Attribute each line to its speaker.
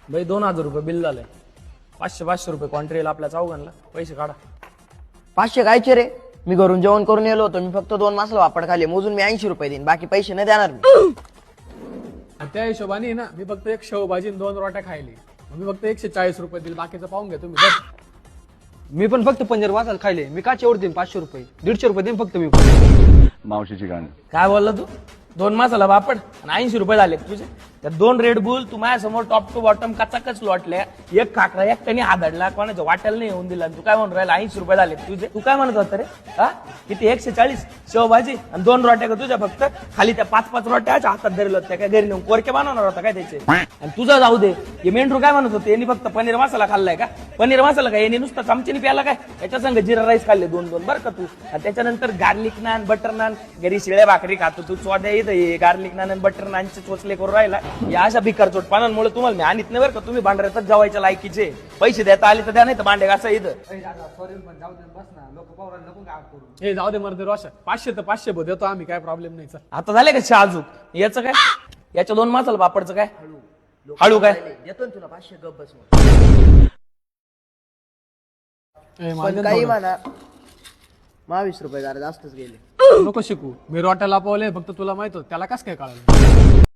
Speaker 1: भाई 2000 रुपये बिल झालंय. 500 रुपये कॉन्ट्रीला आपल्या चौघांना. पैसे काढा.
Speaker 2: 500 कायचे रे? मी घरून जेवण करून येलो होतो. मी फक्त 2 मासला वापड खाली. मोजून मी 80 रुपये देईन. बाकी पैसे नाही देणार मी.
Speaker 3: आणि त्या हिशोबाने ना मी फक्त एक शेवभाजी आणि 2 रोट्या खायली. मग मी फक्त 140 रुपये दिले. बाकीचं पाहून घ्या तुम्ही.
Speaker 4: मी पण फक्त पनीर वाचाल खायले. मी का एवढं देईन? 500 रुपये 150 रुपये देईन फक्त मी.
Speaker 5: मावशीची गाणी.
Speaker 1: काय बोलला तू? 2 मासाला बापड आणि 80 रुपये झाले तुझे. त्या 2 रेड बुल तू माझ्यासमोर टॉप टू बॉटम कचाकच लोटल्या. एक खाकरा एकट्याने आदडला. कोणाच्या वाट्याला नाही येऊन दिला. तू काय म्हणून राहिला? 80 रुपये झाले तुझे. तू काय म्हणत होता रे? हा किती? 140 शेवभाजी आणि 2 रोट्या का तुझ्या फक्त? खाली त्या 5-5 रोट्या हातात धरल्या होत्या. काय घरी नेऊन कोरके बनवणार होता काय त्याचे? आणि तुझं जाऊ दे. हे मेंढरू काय म्हणत होते? यांनी फक्त पनीर मसाला खाल्लाय का? पनीर मसाला काय यांनी नुसतं चमचीने प्याला काय? याच्या संग जिरा राईस खाल्ले 2-2 बरं का तू. आणि त्याच्यानंतर गार्लिक नान बटर नान. घरी शिळ्या भाकरी खातो तू. चोद्या इथं गार्लिक नान आणि बटर नानचे चोचले करून राहिला. या अशा भिकार चोटपानांमुळे तुम्हाला मी आणत नाही बरं का. तुम्ही भांडऱ्यातच जेवायच्या लायकीचे. पैसे देता आले तर द्या, नाही तर भांडे घासा इथं.
Speaker 3: हे जाऊ दे मर्दे रोशा. 500 तर 500 देतो आम्ही. काय प्रॉब्लेम नाही. चल
Speaker 1: आता झाले का शहाजूक? याचं काय? याच्या 2 मासाला पापडचं काय? हळू काय?
Speaker 2: देतो ना तुला 500 गप बस.
Speaker 3: ए,
Speaker 2: पण
Speaker 3: माझ्या
Speaker 2: काही
Speaker 3: थोडं.
Speaker 2: म्हणा 22 रुपये जरा जास्तच गेले.
Speaker 3: नको शिकू. मी रोट्या लापवले फक्त तुला माहित होतं. त्याला कस काय कळालं?